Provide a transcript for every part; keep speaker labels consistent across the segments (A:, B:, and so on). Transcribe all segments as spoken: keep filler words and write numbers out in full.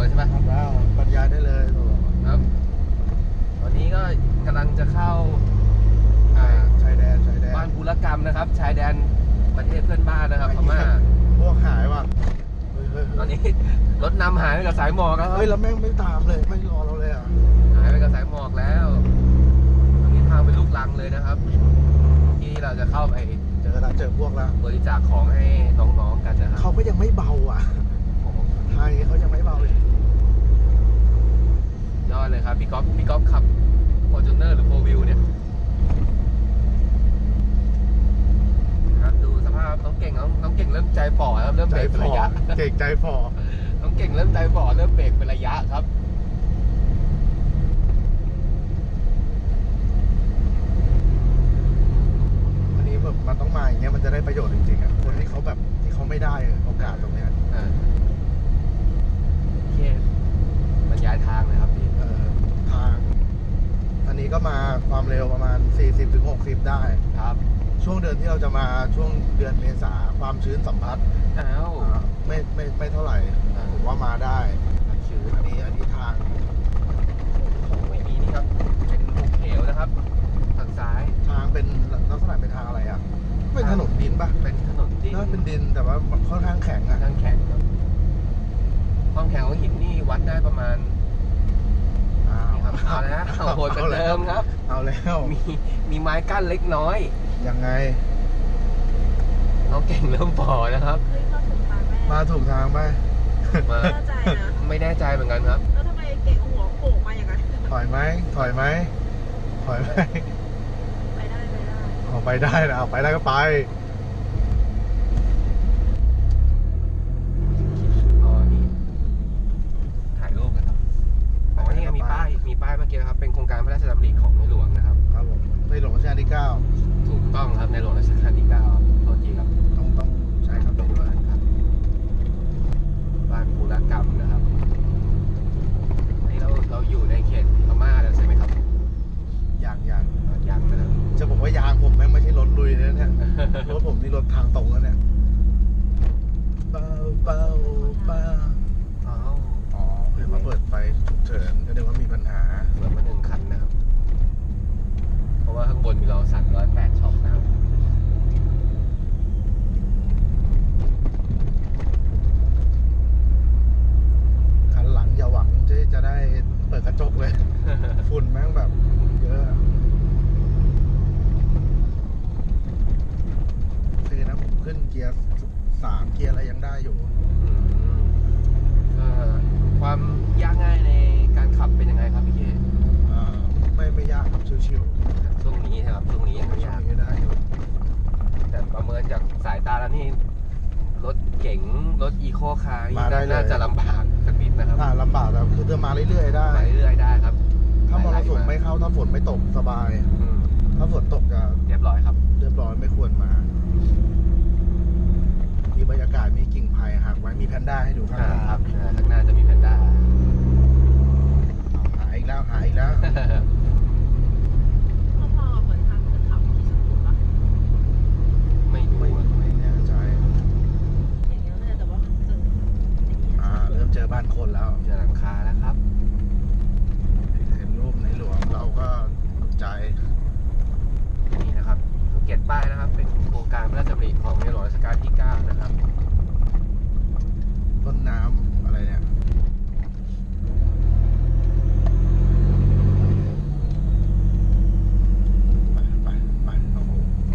A: ใช่ไหม
B: ทำแล้วบรรยายได้เลย
A: ครับตอนนี้ก็กำลังจะเข้า
B: ชายแดนชายแดน
A: บ้านบุรกรรมนะครับชายแดนประเทศเพื่อนบ้านนะครับพม่า
B: พวกหายว่ะ
A: ตอนนี้รถนำหายไปกับสายหมอกแล้ว
B: เฮ้ยแล้วแม่งไม่ตามเลยไม่รอเราเลยอ่ะ
A: หายไปกับสายหมอกแล้วตอนนี้ทางเป็นลูกรังเลยนะครับที่เราจะเข้าไป
B: เจอแล้วเจอพวกแล้ว
A: บริจาคของให้น้องๆกันนะครับ
B: เขาก็ยังไม่เบาอ่ะไทยเขายังไม่เบาเลย
A: ยอดเลยครับพี่ก๊อฟพี่ก๊อฟขับ Fortuner หรือ โฟร์ วิว เนี่ยครับดูสภาพน้องเก่งน้องน้องเก่งเริ่มใจฝ่อครับเริ่มเบรกเป็นระยะ
B: เก่งใจฝ่อ
A: น้องเก่งเริ่มใจฝ่อเริ่มเบรกเป็นระยะครับ
B: อันนี้แบบมันต้องมาอย่างเงี้ยมันจะได้ประโยชน์จริงๆอ่ะคนที่เขาแบบที่เขาไม่ได้โอกาสตรงเนี้ย
A: โอเคบรรยายทางเลยครับพี่
B: ทางอันนี้ก็มาความเร็วประมาณ สี่สิบถึงหกสิบ ได้
A: ครับ
B: ช่วงเดือนที่เราจะมาช่วงเดือนเมษาความชื้นสัมผัส
A: อ้าว
B: ไม่ไม่ไม่เท่าไหร่ผมว่ามาได้
A: ชื้น
B: อันนี้อันนี้ทาง
A: ไม่มีนี่ครับเป็นภูเขียวนะครับทางซ้าย
B: ทางเป็นลักษณะเป็นทางอะไรอ่ะเป็นถนนดินปะ
A: เป็นถนนดิน
B: น่าเป็นดินแต่ว่าค่อนข้างแข็งอ่ะ
A: ค่อนข้างแข็งครับความแข็งของหินนี่วัดได้ประมาณเอาแล้วโหดกันเดิมครับ
B: เอาแล้ว
A: มีมีไม้กั้นเล็กน้อย
B: ยังไง
A: น้องเก่งเริ่มพอนะครับ
B: มาถูกทางไหม
A: มาแน่ใจนะไม่แน่ใจเหมือนกันครับ
C: แล้วทำไมเก่งหัวโผล่มาอย่างนั้น
B: ถอยไหมถอยไหมถอยไหม
C: ไปได้ไปได้
B: เอาไปได้นะเอาไปได้ก็ไป
A: มีป้ายมีป้ายเมื่อกี้ครับเป็นโครงการพระราชดำริของในหลวงนะครับ
B: ครับผมในหลวงรัชกาลที่เก้า
A: ถูกต้องครับในหลวงรัชกาลที่เก้าโทษทีครับ
B: ต้องต้องใช่ครับด้วย
A: ครับบ้านบุรกรรมนะครับนี่เราเราอยู่ในเขตพม่าแล้วใช่ไหมครับ
B: อย่างอย่าง
A: อย่างนะครับ
B: จะบอกว่ายางผมแม่งไม่ใช่รถลุยนะเนี่ยรถผมนี่รถทางตรงแล้วเนี่ยเบาเบาเบา
A: อ๋อ
B: อ๋อเพื่อมาเปิดไฟฉุกเฉินก็เรียกว่ามีปัญหา
A: เหลือมาหนึ่งคันนะครับเพราะว่าข้างบนมีเราสั่งร้อยแปดช็อปนะครับ
B: คันหลังอย่าหวังจะจะได้เปิดกระจกเลย ฝุ่นแม่งแบบเยอะคือนะผมขึ้นเกียร์สามเกียร์อะไรยังได้อยู่
A: ความยากง่ายในการขับเป็นยังไงครับพี่เค
B: ไม่ไม่ยากครับชิว
A: ๆช่วงนี้ครับช่วงนี้ยังไม่ยาก
B: ได้
A: แต่ประเมินจากสายตาแล้วนี่รถเก๋งรถอีโคคาร์น่าจะลำบากสักนิดนะครับ
B: ลำบากแต่คือจะมาเรื่อยๆได้
A: มาเรื่อยๆได้ครับ
B: ถ้ามรสุมไม่เข้าถ้าฝนไม่ตกสบายถ้าฝนตกจะ
A: เรียบร้อยครับ
B: เรียบร้อยไม่ควรมามีบรรยากาศมีกิ่งไผ่หักไว้มีแพนด้าให้ดูข้างหน้า
A: ครับข้างหน้าจะมีแพนด้า
B: หายอีกแล้วหายอีกแล้ว
C: พอๆเหมือนทางขึ้นเขาที่สุดถูกปะ
A: ไม่รู้
B: ไม่แน่ใจ
C: อย่างเงี้ยเลยแต่ว่ามันจะ
B: อ่าเริ่มเจอบ้านคนแล้ว
A: เจอหลังคาแล้วครับ
B: เห็นรูปในหลวงเราก็ตกใจ
A: นี่นะครับสังเกตป้ายนะครับเป็นโครงการพระราชดำริของในหลวงรัชกาลที่เก้านะครับ
B: ต้นน้ำอะไรเนี่ยไปไปไปเอา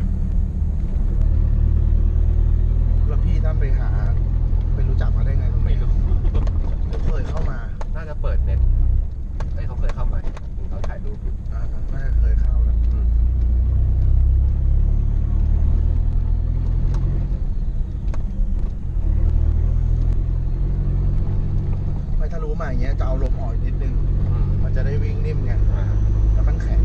B: แล้วพี่ท่านไปหาไปรู้จักมาได้ไงตรงนี้
A: ไม่รู้
B: ผมเคยเข้ามา
A: น่าจะเปิดเน็ตเฮ้ยเขาเคยเข้ามาเขาถ่ายรูปอยู่
B: อ่าน่าจะเคยเข้าแล้วถ้ารู้มาอย่างเงี้ยจะเอาลมออกนิดนึงมันจะได้วิ่งนิ่มไงแล้วมันแข็ง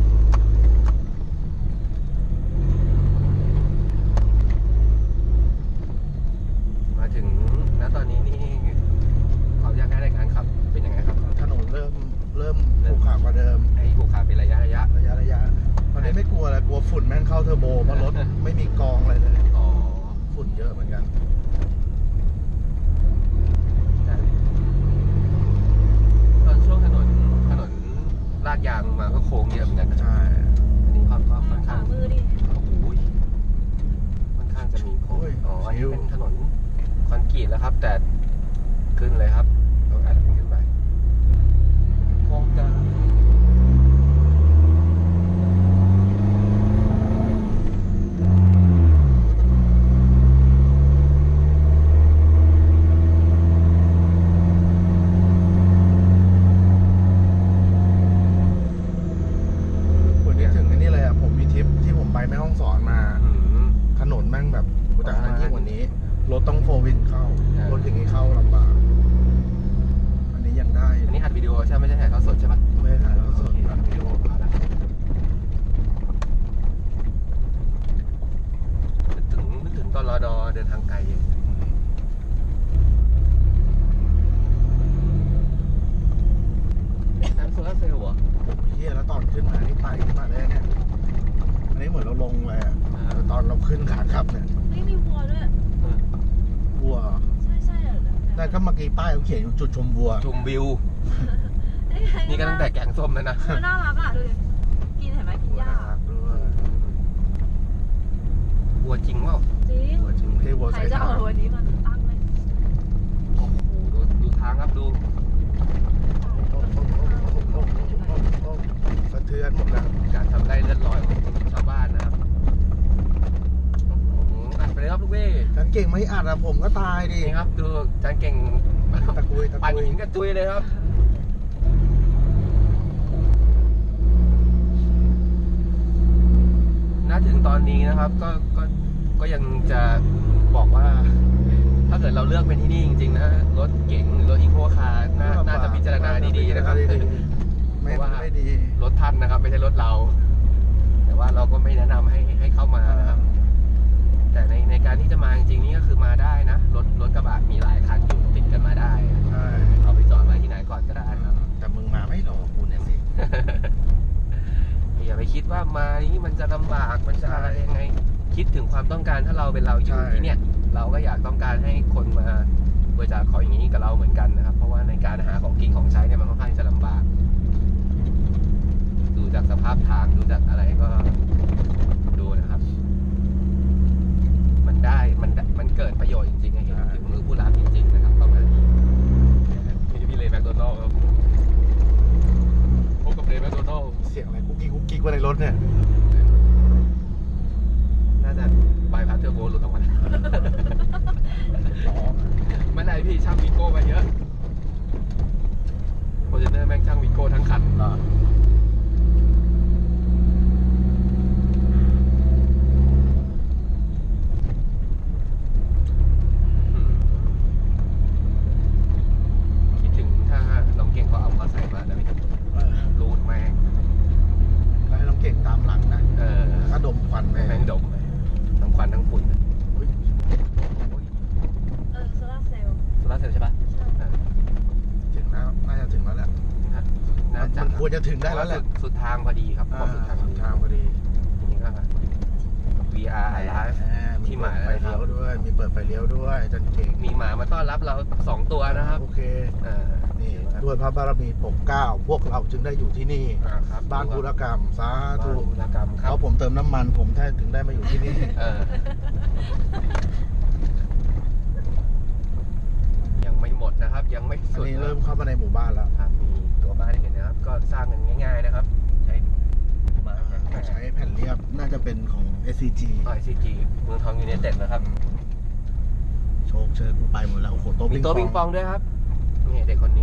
A: มาถึงณตอนนี้นี่ความยากง่ายในการขับเป็นยังไงครับ
B: ถนนเริ่มเริ่มขรุขระกว่าเดิม
A: ไอ้ขรุขระเป็นระยะระยะ
B: ระยะระยะตอนนี้ไม่กลัวอะไรกลัวฝุ่นแม่งเข้าเทอร์โบเพราะรถไม่มีกองอะไรเลย
A: อ๋อ
B: ฝุ่นเยอะเหมือนกันวิว
A: เป็นถนนคอนกรีตแล้วครับ แต่ขึ้นเลยครับต้องอัดขึ้นไปโครงการ
B: วันนี้ถึงไอ้นี่เลยอ่ะผมมีทริปที่ผมไปแม่ฮ่องสอนมา
A: อืม
B: ถนนแม่งแบบกูแต่อันยิ่งกว่านี้รถต้องโฟวินเข้า
A: อ่าร
B: รถอย่างนี้เข้าลำบากอันนี้ยังได้
A: อันนี้อัดวิดีโอใช่ไหมไม่ใช่ถ่ายทอดสดใช่ปะ
B: ไม่ได้ถ่ายแล้วส
A: โอ
B: ด
A: เคอัดวิดีโอมาแล้วนึกถึงนึกถึงตอนรอดอเดินทางไกลน้ำโซลาร์เซลล์เหรอ
B: เฮียแล้วตอนขึ้นมานี่ไปขึ้นมาเลยเนี่ยอันนี้เหมือนเราลงเลยอ่ะ
A: อ่า
B: ตอนเราขึ้นขากลับเนี่ย
C: ไม่มีวัวด้วย
B: วัว
C: ใช่ใช่เหรอ
B: แต่ก็เมื่อกี้ป้ายเขาเขียนอยู่จุดชมวัว
A: ชมวิว นี่ก็ตั้งแต่แกงส้มแล้วนะ
C: มันน่ารักอ่ะดูดิกินเห็นไหมกินหญ้า
B: ด้วย
A: วัวจริงเปล่า
C: จริง
B: วัวจริงไม่ใช่วัว
C: ใคร
B: สาย
C: จะ
B: ทา
C: เอา
B: ง
C: วันนี้มาตั้งเลย
A: โอ้โหดูดูทางครับดู
B: สะเทือนหมดแล้ว
A: การทำไร่เลือดร้อยของชาวบ้านนะครับโอ้โหอัดไปเลยครับลูกเว้ย
B: ฉันเก่งไม่อัดอะผมก็ตายดิ
A: นี่ครับดูจานเก่ง
B: ตะกุยตะ
A: ปั่น
B: กุย
A: หินกระจุยเลยครับณถึงตอนนี้นะครับก็ก็ก็ยังจะบอกว่า ถ้าเกิดเราเลือกเป็นที่นี่จริงๆนะรถเก๋งหรือรถอีโคคาร์น่าน่าจะพิจารณาดีๆนะครับ
B: ไม่ไม่ดี
A: รถท่านนะครับ ไม่ใช่รถเรา แต่ว่าเราก็ไม่แนะนำให้ให้เข้ามานะครับ แต่ในในการที่จะมาจริงๆนี่ก็คือมาได้นะรถรถกระบะมีหลายคันอยู่ติดกันมาได้
B: ใช่
A: เอาไปจอดไว้ที่ไหนก่อนก็ได้ครับ
B: แต่มึงมาไม่รอกูเนี่ยสิ
A: อย่าไปคิดว่ามานี้มันจะลำบากมันจะอะไรยังไง คิดถึงความต้องการถ้าเราเป็นเราอยู่ที่เนี่ย เราก็อยากต้องการให้คนมาบริจาคของอย่างนี้กับเราเหมือนกันนะครับ เพราะว่าในการหาของกินของใช้เนี่ยมันค่อนข้างจะลำบาก ดูจากสภาพทางดูจากอะไรก็ดูนะครับ มันได้มันมันเกิดประโยชน์จริงๆให้เห็นถึงมือผู้รับจริงๆนะครับประมาณนี้นี่พี่เลย์แมคโดนัลด์ครับพบกับเลย์แมคโดนัลด์
B: เสียงอะไรกุ๊กกิ๊กกุ๊กกิ๊กว่าในรถเนี่ย
A: น่าจะใบพัดเทอร์โบหลุดออกมาไม่ไรพี่ช่างวีโก้มาเยอะโฟร์จูเนอร์แม่งช่างวีโก้ทั้งคัน คิดถึงถ้าน้องเก่งเขาเอามาใส่มาแล้วไม่ถูกรูดแม่ง
B: แล้วให้น้องเก่งตามหลังนะ
A: เออ
B: ถ้าดมควันไป
A: แม่งดมเลยทั้งควันทั้งฝุ่น
B: อุ๊ย
A: โอ้ย
C: เออโซลาร์เซลล์
A: โซลาร์เซลล์ใช่ปะ
C: ใช่
A: เออ
B: ถึงแล้วน่าจะถึงแล้วแหละ
A: น่าจะ
B: มันควรจะถึงได้แล้วแหละ
A: สุดสุดทางพอดีครับพอสุดทางพอดี
B: ทางพอดี
A: นี่ก็ วี อาร์ Live ที่หมายแล้ว
B: ไฟ
A: นะครับ
B: เลี้ยวด้วย มีเปิดไฟเลี้ยวด้วยจันเก่ง
A: มีหมามาต้อนรับเราสองตัวนะครับ
B: โอเค
A: เออ
B: นี่ด้วยพระบารมีปกเกล้าพวกเราจึงได้อยู่ที่นี่
A: อ่าครับ
B: บ้านธุรกรรมสา
A: บ้าน
B: ธุ
A: ธุรกรรมค
B: เพ
A: รับ
B: ราะผมเติมน้ำมัน ผมแท้ถึงได้มาอยู่ที่นี่
A: เออ ยังไม่หมดนะครับ ยังไม่
B: อัน
A: สุด
B: นี้
A: นะ
B: เริ่มเข้ามาในหมู่บ้านแล้ว
A: ครับมีตัวบ้านให้เห็นนะครับ ก็สร้างกันง่าย ๆนะครับ ใช้ไม้
B: ใช้แผ่นเรียบน่าจะเป็นของ เอส ซี จี
A: ไอซีจีเมืองทองยูไนเต็ดนะครับ
B: โชคเชิญกูไปหมดแล้วโอ้โหโต๊ะ
A: มี
B: ปิง
A: โต๊ะ
B: ป
A: ปิ
B: อง ง
A: ปองด้วยครับนี่เด็กคนนี้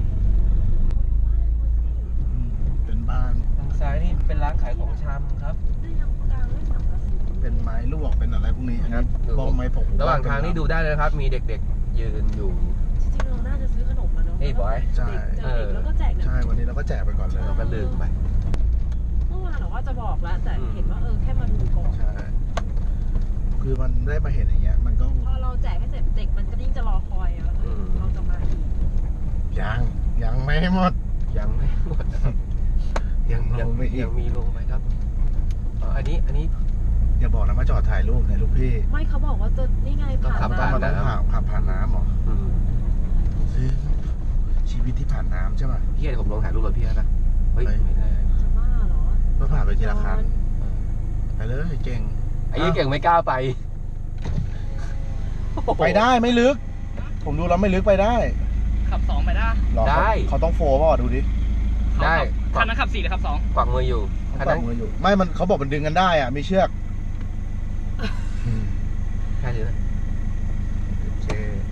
B: อืมเป็นบ้าน
A: ทางซ้ายนี่เป็นร้านขายของชำครับ
C: ได้ยังกลางด้วยสังกะสี
B: เป็นไม้ลวกเป็นอะไรพวกนี้
A: ครับ
B: บ้องไม้ผง
A: ระหว่างทางนี่ดูได้เลยนะครับ มีเด็กๆยืนอยู่
C: จริงๆเราน่าจะซื้อขนมมาเนาะ
A: เฮ้ยบอย
B: ใช่
C: เด็กๆแล้วก็แจกเนี่ย
B: ใช่วันนี้เราก็แจกไปก่อนเลย
A: เราก็ลืมไป
C: เมื่อวานเราว่าจะบอกแล้วแต่เห็นว่าเออแค่มาดูก่อน
B: ใช่คือมันได้มาเห็นอย่างเงี้ย มันก็
C: พอเราแจกให้เสร็จเด็กมันก็ยิ่งจะรอคอยอะเราจะมาอีก
B: ยังยังไม่หมด
A: ยังไม่หมดนะครับ
B: ยังล
A: ยัง
B: งไปอี
A: ยั
B: ก
A: งมีลงไหมครับอ๋ออันนี้อันนี้
B: อย่าบอกนะมาจอดถ่ายรูปเนี่ยลูกพี่
C: ไม่เขาบอกว่าจะนี่ไง
A: ต้อง
C: ผ่าน
A: ขับ
C: มา
A: ผ่
B: มันต้องผ่านผ่านผ่านน้ำเหรอ
A: อืม
B: ซึ่งชีวิตที่ผ่านน้ำใช่ป่ะ
A: พี่เห็นผมลงถ่ายรูปรถพี่แล้วนะเฮ้ย
B: เฮ้ย
A: ไม่ได้
C: จะบ้าเหรอ
B: ก็ผ่านไปทีละคันไปเลยเก่ง
A: ไอ้ยี่เก่งไม่กล้าไป
B: ไปได้ไม่ลึก ผมดูแล้วไม่ลึกไปได้
D: ขับสองไปได้
B: หรอ
A: ได้
B: เขาเขาต้องโฟร์ป่ะดูดิ
A: ได้
D: คันนั้นขับสี่หรือขับสอง
A: กวักมืออยู่
B: เขา
A: คัน
B: ปั
A: นั้
B: ก
A: น
B: มืออยู่ ไม่มันเขาบอกมันดึงกันได้อ่ะมีเชือกอืม
A: ใช่เลย
B: โอเค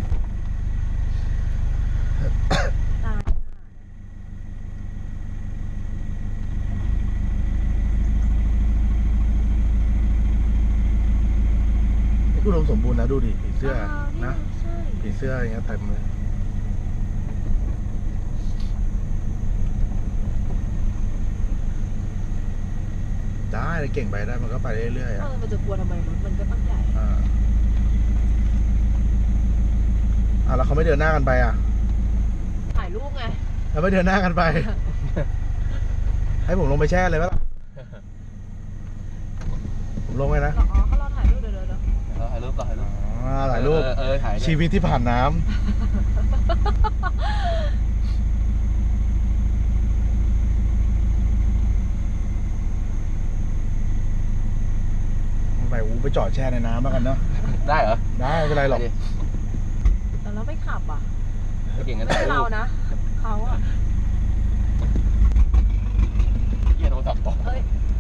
C: ตาย
B: นี่กูรวมสมบูรณ์นะดูดิผีเสื้อ
C: าว
B: นะ
C: ใช่
B: ผีเสื้ออย่างเงี้ยเต็มเลยได้เก่งไปได้มันก็ไปเรื่อยๆ
C: เอ
B: อ่ะ
C: อมันจะกลัวทำไมรถมันก็ตั้งใหญ่
B: อ่าอ่ะแล้วเขาไม่เดินหน้ากันไปอ่ะ
C: ถ่ายรูปไง
B: แล้วไม่เดินหน้ากันไป ให้ผมลงไปแช่เลยไหมล่ะผมลงไปนะ
C: อ๋อเขารอถ่ายรูปเดี๋ยวเดี๋ยวเดี๋ยว
A: เออถ่ายรูปก่อนถ่ายรูป
B: อ่าถ่ายรูป
A: เออเออถ่าย
B: ชีวิตที่ผ่านน้ำไปอูไปจอดแช่ในน้ำแล้วกันเนาะ
A: ได้เหรอ
B: ได้ไม่เป็นไรหรอก
A: ไปดิ
C: แต่เราไม่ขับอ่ะ
A: ไม่เก่งกัน
C: ไม่
A: ถ่าย
C: ใช่
A: รู
C: เรา
A: ป
C: นะเขาอ่ะ
A: เกียร์โทรศัพท์ตก
C: เอ้ย